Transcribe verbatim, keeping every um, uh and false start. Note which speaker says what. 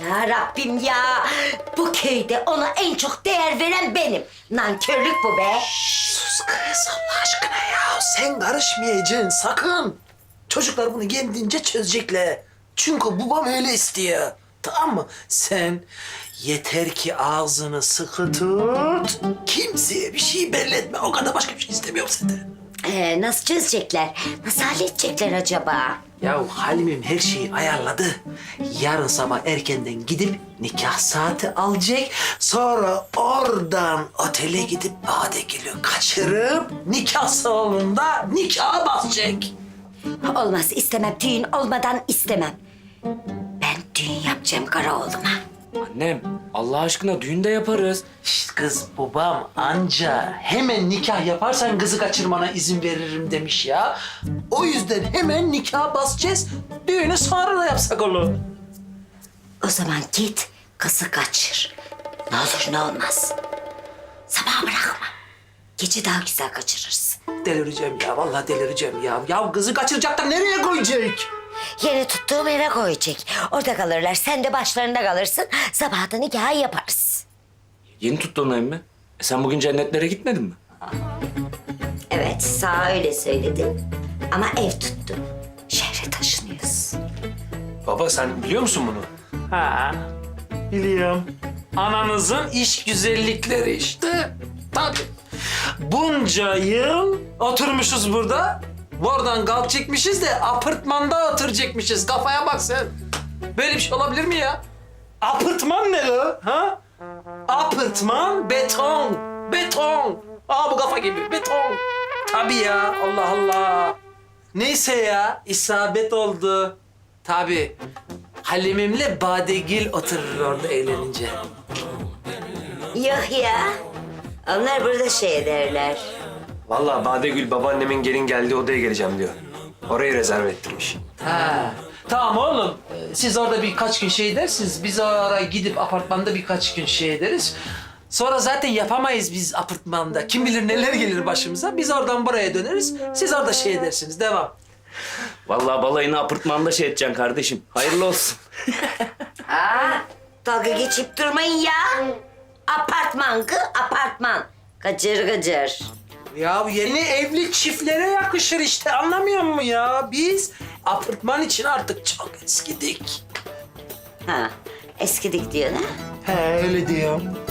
Speaker 1: Ya Rabbim ya. Bu köyde ona en çok değer veren benim. Nankörlük bu be.
Speaker 2: Sus kız Allah aşkına ya. Sen karışmayacaksın sakın. Çocuklar bunu kendince çözecekler. Çünkü babam öyle istiyor. Tamam mı? Sen yeter ki ağzını sıkı tut. Kimseye bir şey belli etme. O kadar başka bir şey istemiyorum senden.
Speaker 1: Ee, nasıl çözecekler? Nasıl halledecekler acaba?
Speaker 2: Ya Halim'im her şeyi ayarladı. Yarın sabah erkenden gidip nikah saati alacak. Sonra oradan otele gidip Badegül'ü kaçırıp nikah salonunda nikaha basacak.
Speaker 1: Olmaz, istemem. Düğün olmadan istemem. Ben düğün yapacağım kara oğluma.
Speaker 3: Annem, Allah aşkına düğün de yaparız.
Speaker 2: Şişt kız babam anca hemen nikah yaparsan kızı kaçırmana izin veririm demiş ya. O yüzden hemen nikaha basacağız. Düğünü sonra da yapsak olur.
Speaker 1: O zaman git kızı kaçır. Ne olur ne olmaz. Sabaha bırakma. Gece daha güzel kaçırırsın.
Speaker 2: Delireceğim ya vallahi delireceğim ya. Ya kızı kaçıracak da nereye koyacak?
Speaker 1: Yeni tuttuğum eve koyacak. Orada kalırlar. Sen de başlarında kalırsın. Sabah da nikahı yaparız.
Speaker 3: Yeni tuttuğun ev mi? E sen bugün cennetlere gitmedin mi?
Speaker 1: Evet, sağ öyle söyledim. Ama ev tuttum. Şehre taşınıyoruz.
Speaker 4: Baba sen biliyor musun bunu?
Speaker 2: Ha, biliyorum. Ananızın iş güzellikleri işte. Tabii. Bunca yıl oturmuşuz burada. Buradan kalkacakmışız de apartmanda oturacakmışız. Kafaya bak sen. Böyle bir şey olabilir mi ya? Apartman ne o? Ha? Apartman beton. Beton. Aa bu kafa gibi beton. Tabii ya Allah Allah. Neyse ya isabet oldu. Tabii. Halimimle Badegül oturur orada eğlenince.
Speaker 1: Yok ya. Onlar burada şey ederler.
Speaker 4: Vallahi Badegül babaannemin gelin geldiği odaya geleceğim diyor. Orayı rezerv ettirmiş.
Speaker 2: Ha. Tamam oğlum. Ee, Siz orada birkaç gün şey edersiniz. Biz oraya gidip apartmanda birkaç gün şey ederiz. Sonra zaten yapamayız biz apartmanda. Kim bilir neler gelir başımıza. Biz oradan buraya döneriz. Siz orada şey edersiniz. Devam.
Speaker 3: Vallahi balayını apartmanda şey edeceksin kardeşim. Hayırlı olsun.
Speaker 1: Aa, dalga geçip durmayın ya. Apartman kı apartman. Gıcır gıcır.
Speaker 2: Ya yeni evli çiftlere yakışır işte. Anlamıyor musun ya? Biz apartman için artık çok eskidik.
Speaker 1: Ha, eskidik diyor ha.
Speaker 2: He öyle diyorum.